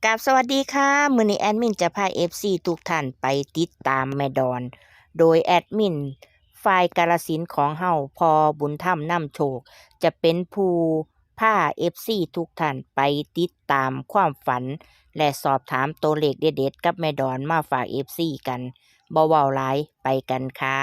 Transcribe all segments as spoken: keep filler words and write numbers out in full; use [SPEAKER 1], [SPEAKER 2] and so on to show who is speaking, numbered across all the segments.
[SPEAKER 1] กราบสวัสดีค่ะมื้อนี้แอดมินจะพา เอฟ ซี ทุกท่านไปติดตามแม่ดอน โดยแอดมินฝ่ายกาฬสินธุ์ของเฮาพอบุญธรรมนำโชค จะเป็นผู้พา เอฟ ซี ทุกท่านไปติดตามความฝัน และสอบถามตัวเลขเด็ดๆกับแม่ดอนมาฝาก เอฟ ซี กันบ่เว้าหลายไปกันค่ะ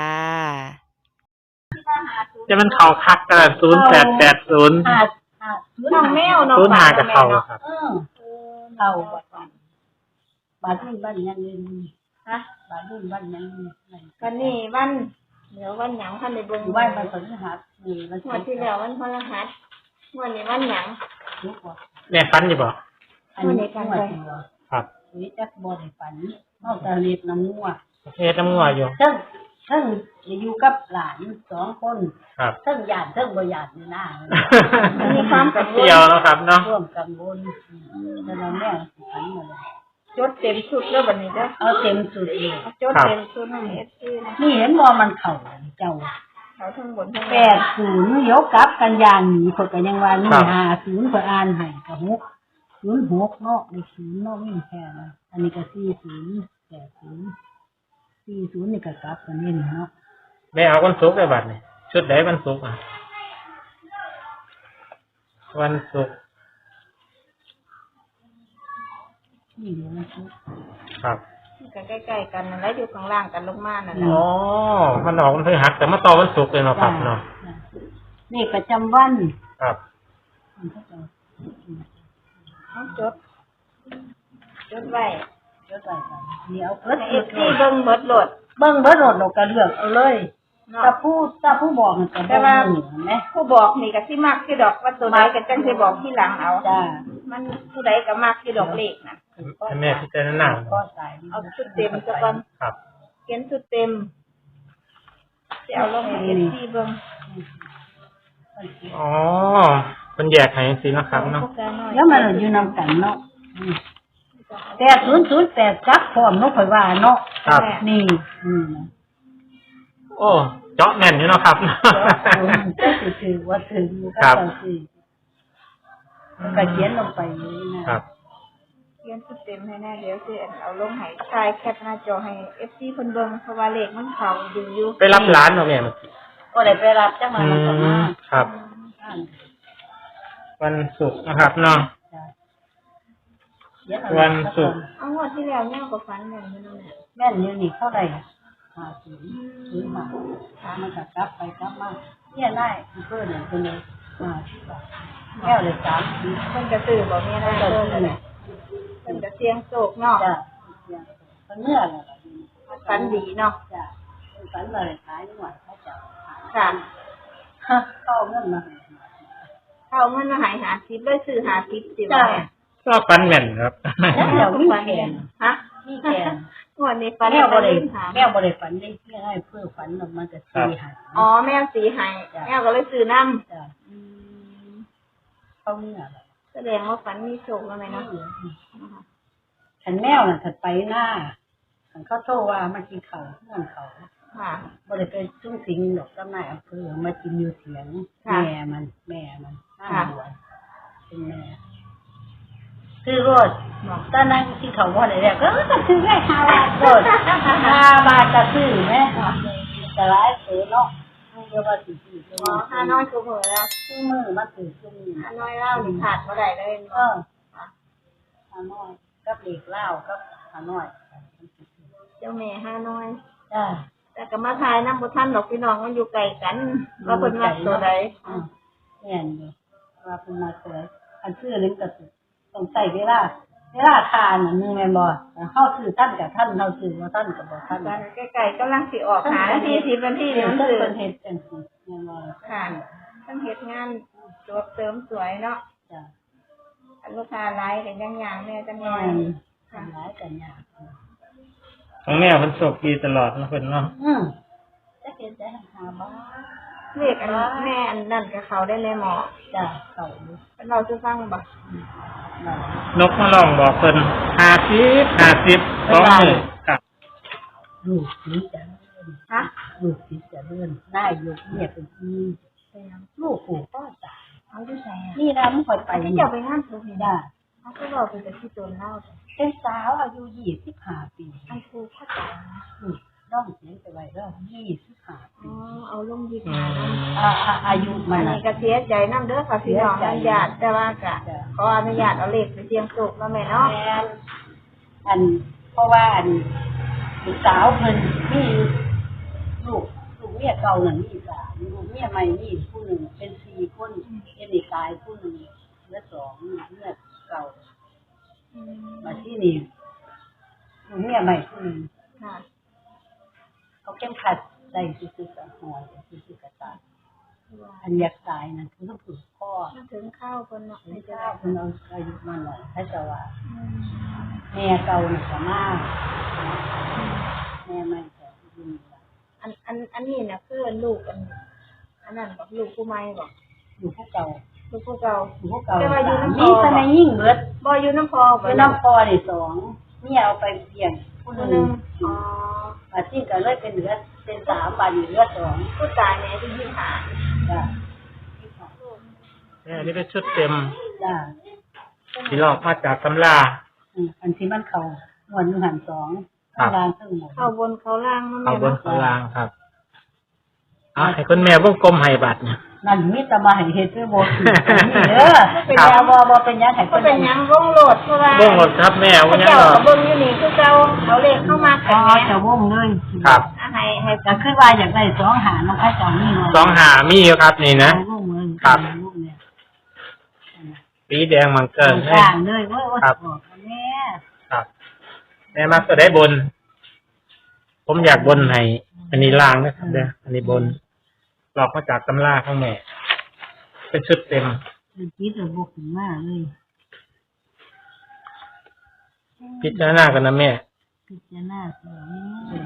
[SPEAKER 2] จะมันเข่าคักกันศูนย์แปดแปดศูนย์
[SPEAKER 3] ห้าห้าน้องแมวน้อง
[SPEAKER 2] ศูนย์
[SPEAKER 3] ปลา
[SPEAKER 2] หากับเข่าครับ
[SPEAKER 3] เออเข่าบัดบัดบัดนี้บ้านยังเงินฮะบัดนี้บ้านยังเงิน
[SPEAKER 4] วันนี้วันเดี๋ยววันหยังท่านในเบิ่ง
[SPEAKER 3] อยู่บ้านมันพฤหัสนี่มัน
[SPEAKER 4] งวดที่แล้ววันพฤหัสงวดนี้วันหยัง
[SPEAKER 3] ทุกข์บ่
[SPEAKER 2] แม่ฟันอยู่บ่
[SPEAKER 3] อันนี้ฝันบ่
[SPEAKER 2] ครับ
[SPEAKER 3] นี่จักบ่ได้ฝันนอกจากเรียกน้ำงัว
[SPEAKER 2] เฮ็ดน้ำงัวอยู่
[SPEAKER 3] เทั้งเทั้งอยู่กับหลานสองคน
[SPEAKER 2] ครับ
[SPEAKER 3] เทั้งญาติเทั้งบ่ญาตินี่นะ
[SPEAKER 4] มีความกังวล
[SPEAKER 2] เที่ยวแล้วครับเนาะ
[SPEAKER 3] ร่วมกังวลแต่เราแม่ฝันหมดเลย
[SPEAKER 4] จดเต็มชุดแล้วบัดนี้เด้อ
[SPEAKER 3] เอาเต็มสุดเลย
[SPEAKER 4] จดเต็มชุดให้ เอฟ ซี นะ
[SPEAKER 3] นี่เห็นบ่มันเข้าเจ้า
[SPEAKER 4] เขาทั้งบนทั้ง
[SPEAKER 3] แป
[SPEAKER 4] ล่าง
[SPEAKER 3] ดศูนย์ยกกลับกันยางหนีคนก็ยังว่านี่ห้าศูนย์ก็อ่านให้กับหกศูนย์หกเนาะในศูนย์เนาะไม่แค่นะอันนี้ก็สี่ศูนย์แปดศูนย์สี่ศูนย์นี่ก็กลับกันนี่เนาะ
[SPEAKER 2] แม่เอาวันศุกร์ได้บัดนี่ชุดไหนวันศุกร์อ่ะวันศุกร์
[SPEAKER 3] นี่เดี๋ยวมันชุด
[SPEAKER 2] ครับ
[SPEAKER 4] ก็ใกล้ๆกันนั่นแหละอยู่ข้างล่างกันลงมานั่นแหละ
[SPEAKER 2] อ๋อมันออกวันพฤหัสแต่มาต่อวันศุกร์เลยเนาะครับเนาะ
[SPEAKER 3] นี่ประจำวัน
[SPEAKER 2] ครับ
[SPEAKER 4] เอาจดจดไว้
[SPEAKER 3] เดี๋ยวไปกันเดี๋ยวเพิ่น
[SPEAKER 4] ให้ เอฟ ซี เบิ่งเบิดโหลด
[SPEAKER 3] เบิ่งเบิดโหลดเราก็เลือกเอาเลย
[SPEAKER 4] เนาะ
[SPEAKER 3] ถ้าผู้ถ้าผู้บอกมันก็บ่รู้เห็นไหม
[SPEAKER 4] ผู้บอกนี่ก็สิมักสิดอกว่าตัวใดก็จังสิบอกที่หลังเอา
[SPEAKER 3] จ้า
[SPEAKER 4] มันผู้ใดก็มักสิดอกเลขน่ะ
[SPEAKER 2] ให้แม่พิจารณา
[SPEAKER 3] ก็สาย
[SPEAKER 4] เอาชุดเต็มซะก่อน
[SPEAKER 2] ครับ
[SPEAKER 4] เขียนชุดเต็มสิเอาลงให้ เอฟ ซี เบิ่ง
[SPEAKER 2] อ๋อเป็นแยกให้สิเนาะครับเนาะ
[SPEAKER 3] แล้วมันอยู่นำกันเนาะแปดศูนย์ศูนย์แปดจับพร้อมเนาะข่อยว่าเนาะ
[SPEAKER 2] ครับ
[SPEAKER 3] นี่อืม
[SPEAKER 2] โอ้เจาะแม่นอยู่เนาะครับ
[SPEAKER 3] ก็ถือถือว่าถึง
[SPEAKER 2] ครับ
[SPEAKER 3] ก็สิก็เขียนลงไปนี่นะครับ
[SPEAKER 4] เขียนชุดเต็มให้แน่เดี๋ยวสิเอาลงให้ชายแคปหน้าจอให้ เอฟ ซี เพิ่นเบิ่งเพราะว่าเลขมันเข้าดีอยู่
[SPEAKER 2] ไปรับร้านเนาะแม่เมื่อกี้
[SPEAKER 3] ก็ได้ไปรับจังมา
[SPEAKER 2] อื
[SPEAKER 3] มันก็มาม
[SPEAKER 2] ครับ วันศุกร์นะครับเนาะ
[SPEAKER 3] จ้ะเขียนเอา
[SPEAKER 2] วันศุกร์
[SPEAKER 4] เอางวดที่แล้วเนี่ยก็ฝันแม่นอยู่นั่นแหละ
[SPEAKER 3] แม่นอยู่นี่เท่าไหร่ห้าสิบหรือห้าถามมันก็กลับไปกลับมาเนี่ยได้เพิ่นเนี่ยเพิ่นเลยห้าสิบบาทแก้วเลยสามสิบ
[SPEAKER 4] เพิ่นก็ซื้อบ่แม่น
[SPEAKER 3] ก็
[SPEAKER 4] นะ
[SPEAKER 3] จะ
[SPEAKER 4] เพิ่น
[SPEAKER 3] ซื้อเนี่ย
[SPEAKER 4] เพิ่นก็เสียงโศกเนาะ
[SPEAKER 3] จ้ะมันเนื้อเลยล่ะ
[SPEAKER 4] ฝันดีเนาะ
[SPEAKER 3] จ้ะฝันเลยขายหน่วยเขาจะขาย
[SPEAKER 4] ค่ะ
[SPEAKER 3] เข้าเงินมา
[SPEAKER 4] เอาเงินมาให้หาสิบเลยซื้อหาสิบสิ
[SPEAKER 3] จ้ะ
[SPEAKER 4] ว่า
[SPEAKER 2] ก็ฟันแม่นครับ
[SPEAKER 3] แล้วเดี๋ยวมีแขน
[SPEAKER 4] ฮะ
[SPEAKER 3] มีแขน
[SPEAKER 4] งวดนี้ฝัน
[SPEAKER 3] แม่บริ
[SPEAKER 4] หา
[SPEAKER 3] แม่บริฝันได้เพื่อให้เพื่อฝันออกมาจะตีหาย
[SPEAKER 4] อ๋อแม่สีให้แม่ก็เลยซื้อนำ
[SPEAKER 3] จ้ะเข้าเนื้อ
[SPEAKER 4] แสดงว่าฝันมีโชคแล้วไหมเนาะ
[SPEAKER 3] ฉันแมวน่ะถัดไปหน้าฉันเขาโทรว่ามากินเขาเพื่อนเขา
[SPEAKER 4] ค่ะ
[SPEAKER 3] บริไปจุ้งสิงดอกต้นไม้อำเภอมากินอยู่เสียง
[SPEAKER 4] ค่ะ
[SPEAKER 3] แม่มันแม่มันห้า
[SPEAKER 4] ค่ะ
[SPEAKER 3] หัวเป็นแม่คือรถตอนนั้นที่เขาว่าอะไรเนี่ยก็คือแค่ห้าบาทรถห้าบาทจะซื้อไหมแต่ร้ายเสือเนาะเรียกว่าสี่สี่
[SPEAKER 4] อ๋อห้าน้อยกูเผลอแล้ว
[SPEAKER 3] ซื้อมือมาซื้อซื้อมือ
[SPEAKER 4] ห้าน้อยเล่าหนึ่งขาดเมื่อไหร่เลย
[SPEAKER 3] เออห้าน้อยกับเด็กเล่ากับห้าน้อย
[SPEAKER 4] เจ้าแม่ห้าน้อย
[SPEAKER 3] จ้า
[SPEAKER 4] แต่ก็มาทายน้ำบุท่านดอกพี่น้องมันอยู่ไกลกันว่าเพิ่นมาตัวใด
[SPEAKER 3] อืมแม่นอยู่ว่าเป็นมาเสืออันซื้อนึงก็ต้องใส่เวลาเวลาทานน่ะนึงแม่นบ่เข้าซื้อท่านกับท่านเฮาซื้อว่าท่านกับบ่ท่าน
[SPEAKER 4] กันใกล้ๆกำลังสิออกหานาทีสิบนาที
[SPEAKER 3] ที่
[SPEAKER 4] เดี๋ยว
[SPEAKER 3] เพิ่น
[SPEAKER 4] ซื้อ
[SPEAKER 3] เพิ่นเฮ็ดจังซี่แม่นบ่
[SPEAKER 4] ค่ะทั้งเฮ็ดงานจวบเสริมสวยเนาะ
[SPEAKER 3] จ้ะ
[SPEAKER 4] อันลูกค้าไลฟ์กันย่างๆแม่จังหน่
[SPEAKER 3] แม่
[SPEAKER 4] อย
[SPEAKER 3] นทำหลายกันยาก
[SPEAKER 2] ของแม่มันโชคดีตลอดนะเพิ่นเนาะ
[SPEAKER 3] อืมจะเฮ็ดได้หาบ้า
[SPEAKER 4] เลขอันแม่อันนั่นกับเขาได้เลยหมอ
[SPEAKER 3] จ้ะเข้าอยู่
[SPEAKER 4] เป็นเราจะฟังบ่
[SPEAKER 3] นั่น
[SPEAKER 2] นกมาลองบอกเพิ่นห้าสิบห้าสิบสองหมื่นครับ
[SPEAKER 3] ลูกศิษย์จะ
[SPEAKER 4] ฮะ
[SPEAKER 3] ลูกศิษย์จะเลื่อนได้อยู่เนี่ยเป็นที่ลูกผูกก็ตาย
[SPEAKER 4] เอาที่ใส่
[SPEAKER 3] นี่นะมันค่อยไป
[SPEAKER 4] ที่จะไปงานศพนี่
[SPEAKER 3] จ้ะ
[SPEAKER 4] เอาเขาก็บอกเป็นแต่ที่โจรเล่าแต่
[SPEAKER 3] เป็นสาวอายุยี่สิบห้าปี
[SPEAKER 4] อันครูเข้าใจนะ
[SPEAKER 3] อืมน้องเสียงไปไว้แล้วยี่สิบห้า
[SPEAKER 4] อ๋
[SPEAKER 3] ปี
[SPEAKER 4] อเอาลงยิบมานะ
[SPEAKER 3] อ่าอ่าอายุมั
[SPEAKER 4] อั
[SPEAKER 3] น
[SPEAKER 4] น
[SPEAKER 3] น่ะ
[SPEAKER 4] นี้ก็เสียใจน้ำเด้อค่ะพี่น้องอนุญาตแต่ว่ากะขออนุญาตเอาเลขไปเสี่ยงโชคแล้วแม่เนาะ
[SPEAKER 3] แม่นอันเพราะว่าอันลูกสาวเพิ่นมีลูกลูกเมียเก่านั่นมีสามลูกเมียใหม่นี่ผู้หนึ่งเป็นสี่คนเป็นอีกตายผู้หนึ่งเหลือสองเมียเก่า
[SPEAKER 4] อืม
[SPEAKER 3] มาที่นี่ลูกเมียใหม่ผู้หนึ่ง
[SPEAKER 4] ค่ะ
[SPEAKER 3] เขาเข้มขัดได้ซื้อๆกับหอยซื้อๆกับตายอันอยากตายนั่นคือต้องฝึกพ่อ
[SPEAKER 4] มันถึงข้าวคนเนาะ
[SPEAKER 3] ไม่
[SPEAKER 4] ไม่
[SPEAKER 3] ใช่
[SPEAKER 4] จะได้
[SPEAKER 3] คุณเอาอายุมาหน่อยถ้าจะว่า
[SPEAKER 4] อืม
[SPEAKER 3] แม่เก่าหนักมากแม่ไม่แต่ยิน
[SPEAKER 4] อันอันอันนี้เนี่ยคือลูกอันอันนั้นบอกลูกผู้ใหม่บอก
[SPEAKER 3] อยู่พวกเก่า
[SPEAKER 4] ลูกผู้เก่า
[SPEAKER 3] อยู่พวกเก่า
[SPEAKER 4] แต่ว่าอยู่น้ำพอ
[SPEAKER 3] นี่ทำไมยิ่งเบิด
[SPEAKER 4] บ่อยู่น้ำพอ
[SPEAKER 3] คือน้ำพอนี่สองนี่เอาไปเพียงผู้
[SPEAKER 4] ผู้
[SPEAKER 3] ห
[SPEAKER 4] ห
[SPEAKER 3] นึ่
[SPEAKER 4] นึ่
[SPEAKER 3] ง
[SPEAKER 4] งอ๋อ
[SPEAKER 3] อาที่ก็เลยเป็นเหลือเป็นสามบาทอยู่เหลือสอง
[SPEAKER 4] ผู้ตายเนี่ยที่ยี่สิบห้า
[SPEAKER 3] จ้ะ
[SPEAKER 2] เนี่ยอันนี้เป็นชุดเต็ม
[SPEAKER 3] จ้ะ
[SPEAKER 2] ที่ลอกมาจากตำรา
[SPEAKER 3] อืมอันที่มันเข่าหมวดหนึ่งหันสอง
[SPEAKER 2] ครับ
[SPEAKER 3] ข้างล่างข้างหมด
[SPEAKER 4] เข้าบนเขาล่างนั่น
[SPEAKER 2] เอาบน
[SPEAKER 4] เนาะ
[SPEAKER 2] ข้างล่างครับเอาให้คุณแม่วงกลมให้บัตรเนี่ย
[SPEAKER 3] นั่นมีแต่มาให้เฮ็ดเพื่อโบถือนี่เด้อเป็นยาบ่บ่เป็นยาให้
[SPEAKER 4] ก็
[SPEAKER 3] เพิ่น
[SPEAKER 4] เป็นหยังวงโหลดเพราะว่า
[SPEAKER 2] เบื้องหมดครับแม่
[SPEAKER 4] พ
[SPEAKER 2] ว่า
[SPEAKER 4] ระ
[SPEAKER 2] ยัง
[SPEAKER 4] เจ้า
[SPEAKER 2] หรอ
[SPEAKER 4] กับเบิ่งอยู่นี่คือเจ้าเอาเลขเข้ามา
[SPEAKER 3] อ๋
[SPEAKER 4] แต่
[SPEAKER 3] อ
[SPEAKER 4] แม่
[SPEAKER 3] จะวงเลย
[SPEAKER 2] ครับ
[SPEAKER 4] อ่ะให้ให้
[SPEAKER 3] ก็คือว่าอยากได้สองหาน้องไอ้สองนี่
[SPEAKER 2] สองหามีอยู่ครับนี่นะ
[SPEAKER 3] วงเลย
[SPEAKER 2] ครับ
[SPEAKER 3] วงเนี่ย
[SPEAKER 2] สีแดงมังเกิ
[SPEAKER 3] ต
[SPEAKER 2] น
[SPEAKER 3] รง
[SPEAKER 2] ให้
[SPEAKER 3] กลางเลยโอ้ยโอ้ย
[SPEAKER 2] ครับ
[SPEAKER 3] บอกกันแม่
[SPEAKER 2] ครับแม่มักจะได้บน ผมอยากบนให้อันนี้ล่างนะครับเด้ออันนี้บนหลอกมาจากตำราข้างแม่ เป็นชุดเต็ม
[SPEAKER 3] คือคิดระบบถึงมากเลย
[SPEAKER 2] พิจารณากันนะแม่
[SPEAKER 3] พิจารณาสองเลย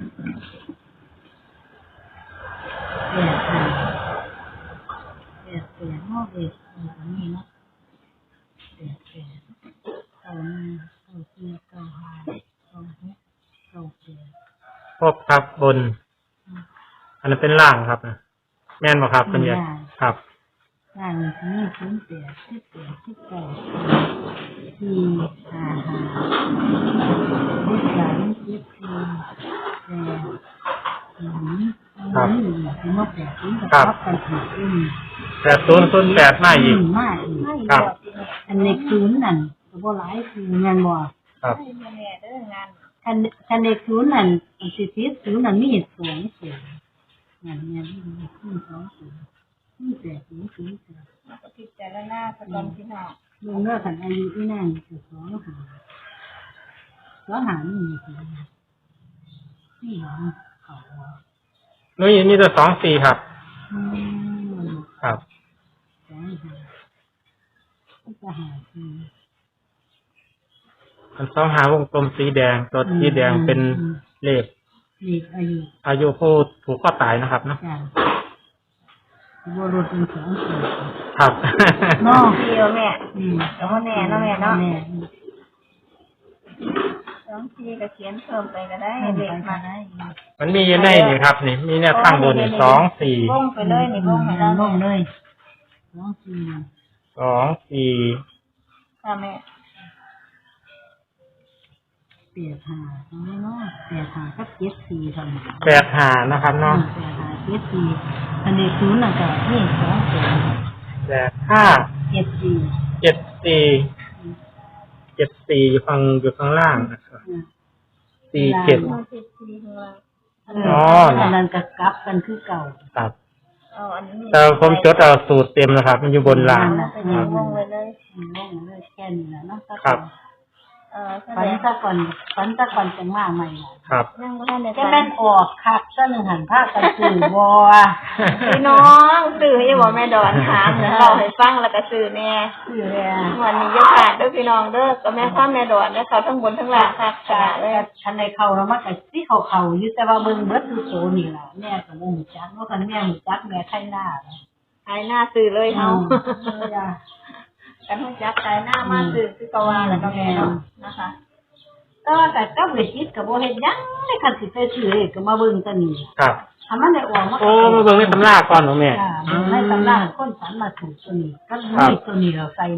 [SPEAKER 3] แปดห้าแปดแปดนอกเอ็ดอันนี้เนาะแปดแปดเก้าหนึ่งเก้าสี่เก้าห้าเก้าหกเก้าแปด
[SPEAKER 2] พบครับบน อันนั้นเป็นล่างครับนะแม่นบ่ครับคุณยายครับ
[SPEAKER 3] ล่างนี้ศูนย์แปดสิบแปดสิบเก้าสี่ห้าห้าสิบสามสิบสี่แปดศูนย์
[SPEAKER 2] ครับ
[SPEAKER 3] ถึงว่าแปดศูนย์กับทับกันถูกอืม
[SPEAKER 2] แปดศูนย์ศูนย์แปดมาอีก
[SPEAKER 3] มากอีก
[SPEAKER 2] ครับ
[SPEAKER 3] อันเล็กศูนย์นั่นก็บ่หลายคือแม่นบ่
[SPEAKER 2] ครับ
[SPEAKER 4] ให้แม่เด้องาน
[SPEAKER 3] คันคันเล็กศูนย์นั่นอันสิสิศูนย์นั่นมีสองศูนย์นั่นแม่นมีสองศูนย์มีแปดศูนย์ศูนย์แปด
[SPEAKER 4] แล้วก็พิจารณาพระตอนพี่น้อง
[SPEAKER 3] ลุงเลิกขันอายุที่นั่นคือสองหาสองหานี่มีสี่สี่หาเขา
[SPEAKER 2] นุ้ยนี่จะสองสี่ครับ
[SPEAKER 3] อืม
[SPEAKER 2] ครับ
[SPEAKER 3] สองหาก็หาสี่
[SPEAKER 2] อันสองหาวงกลมสีแดง ตัวสีแดงเป็นเลข
[SPEAKER 3] เด็กอายุ
[SPEAKER 2] อายุผู้ผูกข้อตายนะครับเนาะ
[SPEAKER 3] จ้ะบัวรถเป็นสองสี่
[SPEAKER 2] ครับ
[SPEAKER 3] เนาะ
[SPEAKER 4] เดียวแม่
[SPEAKER 3] อืม
[SPEAKER 4] แต่ว่าแน่เนาะแม่เนาะ
[SPEAKER 3] แม่
[SPEAKER 4] สองทีก็เขียนเพิ่มไปก็ได้
[SPEAKER 3] ให้
[SPEAKER 4] เด็
[SPEAKER 3] เด็
[SPEAKER 4] ก
[SPEAKER 3] ก
[SPEAKER 4] มา
[SPEAKER 3] มาได้
[SPEAKER 2] มันมีอยู่ในนี่ครับ นี่ มีแนวข้างบนนี่สองสี่
[SPEAKER 4] วงไปเลยนี่วงให้เรา
[SPEAKER 3] ลงเลยสองสี่
[SPEAKER 2] สองสี่
[SPEAKER 4] ค่ะแม่
[SPEAKER 3] เปียหาตรงนี้เนาะเปียหากับเจ็ดสี่ทำ
[SPEAKER 2] แปดหานะครับเนาะ
[SPEAKER 3] เปียหาเจ็ดสี่อันนี้ศูนย์น่ะก็นี่สองสี่
[SPEAKER 2] แปดห้า
[SPEAKER 3] เจ็ดสี่
[SPEAKER 2] เจ็ดสี่เจ็ดสี่อยู่ข้างอยู่ข้างล่างนะครับ
[SPEAKER 3] อืม
[SPEAKER 2] สี่เจ็ด
[SPEAKER 4] มาสิบสี่ข้างล่าง
[SPEAKER 2] อ๋อ
[SPEAKER 3] อันนั้นก็กลับกันคือเก่า
[SPEAKER 2] ครับ
[SPEAKER 4] เอาอันนี้
[SPEAKER 2] แต่ผมจดเอาสูตรเต็มนะครับ มันอยู่บนล่าง
[SPEAKER 4] เอาไปในวงเลยเลย
[SPEAKER 3] อืมลงเลยแค่นี้แหละเนาะ
[SPEAKER 2] ครับ
[SPEAKER 4] เออแส
[SPEAKER 3] ฝั
[SPEAKER 4] ด
[SPEAKER 3] น
[SPEAKER 4] ง
[SPEAKER 3] ซะก่อนฝันซะก่อนจังมาใหม่ล่ะ
[SPEAKER 2] ครับ
[SPEAKER 4] ยังไม่ทันได้
[SPEAKER 3] จะ
[SPEAKER 4] ฟั
[SPEAKER 3] แม่
[SPEAKER 4] ง
[SPEAKER 3] นออกคักซะหนึ่งหันภาคกันสื่อบ่
[SPEAKER 4] พี่น้องสื่อให้บอกแม่ดอนถามเดี๋ยวเราให้ฟังแล้วก็สื่อแน่
[SPEAKER 3] สื่อเลยอะ
[SPEAKER 4] วันนี้ยกขาดด้วยพี่น้องเด้อก็แม่ข้ามแม่ดอนนะเขาทั้งบนทั้งล่างคักขนาดเลย
[SPEAKER 3] ทันในเขาแล้วมันก็สิเขาเขาอยู่แต่ว่าเบิ่งเบิดคือโซนี่ล่ะแม่ก็บ่ฮู้จักเนาะคันแม่ฮู้จักแม่ไทยหน้า
[SPEAKER 4] หายหน้าสื่อเลยเฮา
[SPEAKER 3] เออจ้ะ
[SPEAKER 4] กันหัวจักหายหน้ามาสื่อคือกวาแล้วก็แม่เนาะนะคะ
[SPEAKER 3] แต่ว่าแต่กับเวทีก็บ่เฮ็ดหยังในคันสิไปซื้อเลขก็มาเบิ่งตัวนี้
[SPEAKER 2] ครับ
[SPEAKER 3] ถ้ามันได้ออกมา
[SPEAKER 2] โอ้มาเบิ่งในตำราก่อนหนูแม่
[SPEAKER 3] จ้ะเบิ่งในตำราคนฝันมาถูกตัวนี้ก็มีตัวนี้เราใส่หนัก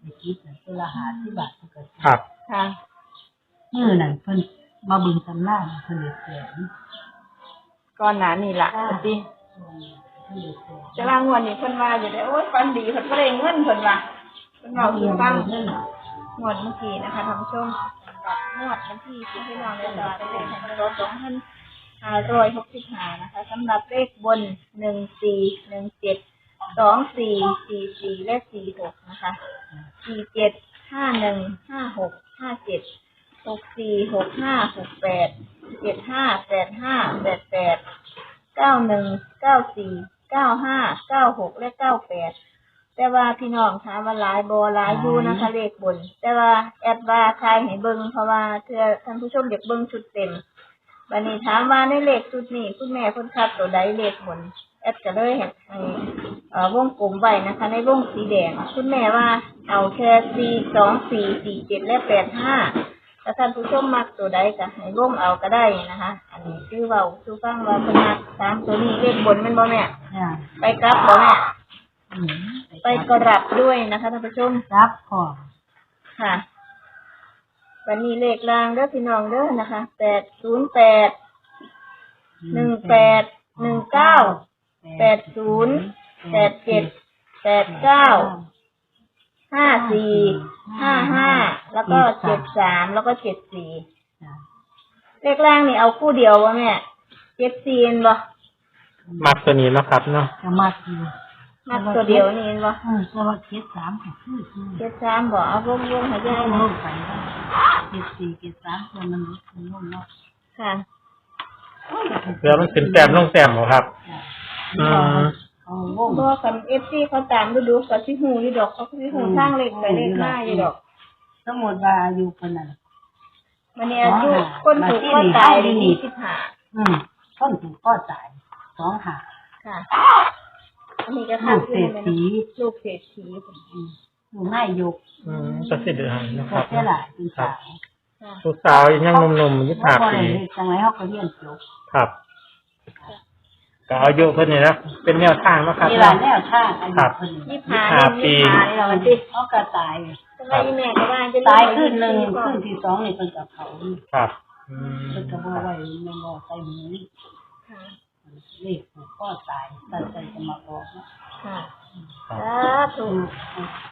[SPEAKER 3] ในคลิปน่ะตัวละห้าสิบบาทเพิ่นก็ซื้อ
[SPEAKER 2] ครับ
[SPEAKER 4] ค่ะ
[SPEAKER 3] มื้อนั้นเพิ่นมาเบิ่งตำราเพิ่นเลยแสน
[SPEAKER 4] ก่อนหน้านี่ล่ะ
[SPEAKER 3] ค่ะ
[SPEAKER 4] สิ
[SPEAKER 3] เพิ่นเลยแสน
[SPEAKER 4] จะว่างวดนี้เพิ่นว่าอยู่ได้โอ๊ยฟันดีเพิ่นบ่ได้เงินเพิ่นว่าเพิ่นเว้าสู่ฟังงวดเมื่อกี้นะคะท่านผู้ชมสำหรับงวดวันที่สิบพี่น้องในตลาดเลขของรถสองพันห้าร้อยหกสิบห้านะคะสำหรับเลขบนหนึ่งสี่หนึ่งเจ็ดสองสี่สี่สี่และสี่หกนะคะสี่เจ็ดห้าหนึ่งห้าหกห้าเจ็ดหกสี่หกห้าหกแปดเจ็ดห้าแปดห้าแปดแปดเก้าหนึ่งเก้าสี่เก้าห้าเก้าหกและเก้าแปดแต่ว่าพี่น้องถามว่าหลายบ่หลายอยู่นะคะเลขบน แต่ว่าแอดว่าใครให้เบิ่งเพราะว่าเพื่อท่านผู้ชมอยากเบิ่งชุดเต็มวันนี้ถามว่าในเลขชุดนี้คุณแม่เพิ่นคัดตัวใดเลขบนแอดก็เลยให้ให้เอ่อวงกลมไว้นะคะ ในวงสีแดงคุณแม่ว่าเอาแค่สี่สองสี่สี่เจ็ดและแปดห้าถ้าท่านผู้ชมมักตัวใดก็ให้วงเอาก็ได้นะคะ อันนี้คือเว้าสู่ฟังว่าเพิ่นมักตามตัวนี้เลขบนแม่นบ่แม่
[SPEAKER 3] จ้ะ
[SPEAKER 4] ไปกลับบ่แม่
[SPEAKER 3] อืม
[SPEAKER 4] ไปกลับด้วยนะคะท่านผู้ชม
[SPEAKER 3] รับพร้อม
[SPEAKER 4] ค่ะ วันนี้เลขรางเด้อพี่น้องเด้อนะคะแปดศูนย์แปดหนึ่งแปดหนึ่งเก้าแปดศูนย์แปดเจ็ดแปดเก้าห้าสี่ห้าห้าแล้วก็เจ็ดสามแล้วก็เจ็ดสี่
[SPEAKER 3] จ้ะ
[SPEAKER 4] เลขล่างนี่เอาคู่เดียววะแม่เจ็ดสี่เห็นบ่
[SPEAKER 2] มักตัวนี้เนาะครับเนาะ
[SPEAKER 3] จะมักอยู่
[SPEAKER 4] มักตัวเดียวนี่เห็นบ่
[SPEAKER 3] เออแต่ว่าเจ็ดสามก็คือคือ
[SPEAKER 4] เจ็ดสามบ่เอาวงวงๆให้ยาย
[SPEAKER 3] ล
[SPEAKER 4] นะ
[SPEAKER 3] งไปแล้วเจ็ดสี่เจ็ดสามตัวมันลดลงเนาะ
[SPEAKER 4] ค่ะ
[SPEAKER 2] เพื่อมันขึ้นแต้มลงแต้มบ่ครับ
[SPEAKER 3] จ้ะ
[SPEAKER 2] อืม
[SPEAKER 3] เอาวง
[SPEAKER 4] บ่คัน เอฟ ซี เขาตามดูดูๆก็สิฮู้อยู่ดอกเขาก็สิฮู้ทางเลขไปเลขมาอยู่ดอก
[SPEAKER 3] สมมติว่าอายุคนนั้น
[SPEAKER 4] วันนี้อายุคนถูกก็ตายได้ยี่สิบห้า
[SPEAKER 3] อืมคนถูกก็จ่ายสองหา
[SPEAKER 4] ค่ะ อันนี้ก็
[SPEAKER 3] ลู
[SPEAKER 4] ค่ะ
[SPEAKER 3] กเศรษฐี
[SPEAKER 4] ลูกเศรษฐี
[SPEAKER 3] อืมลูกนายยก
[SPEAKER 2] อืมก็สิเดือนนะค
[SPEAKER 3] ก็
[SPEAKER 2] รับ
[SPEAKER 3] เสียหลายเป็นสาว
[SPEAKER 4] ค่ะ
[SPEAKER 2] ลูกสาวยังหนุ่มๆยี่สิบห้า
[SPEAKER 3] พอ
[SPEAKER 2] ปี
[SPEAKER 3] ได้เฮ็ดจังไรเขาก็เรียนจบ
[SPEAKER 2] ครับก็อายุเพิ่นนี่นะเป็นแนวทางเนาะครับ
[SPEAKER 3] มีหลานแนวทางอายุคน
[SPEAKER 4] ยี่
[SPEAKER 3] นี้
[SPEAKER 4] สิบห้า
[SPEAKER 2] ปี
[SPEAKER 4] ยี่สิบห้านี่เราวันที่
[SPEAKER 3] เขาก็ตาย
[SPEAKER 4] ทำไมแม่ก็ว่าจะ
[SPEAKER 3] ตายขึ้นหนึ่งขึ้นที่สองนี่เป็นกับเขา
[SPEAKER 2] ครับอืม
[SPEAKER 3] เป็นกับว่าไว้แม่นบ่ใส่หูนี่
[SPEAKER 4] ค่ะ
[SPEAKER 3] เลขผูกก็ตายตัดใจจะมาบอกเนาะ
[SPEAKER 4] ค่ะ
[SPEAKER 2] ครับ
[SPEAKER 4] สาธุ
[SPEAKER 3] อืม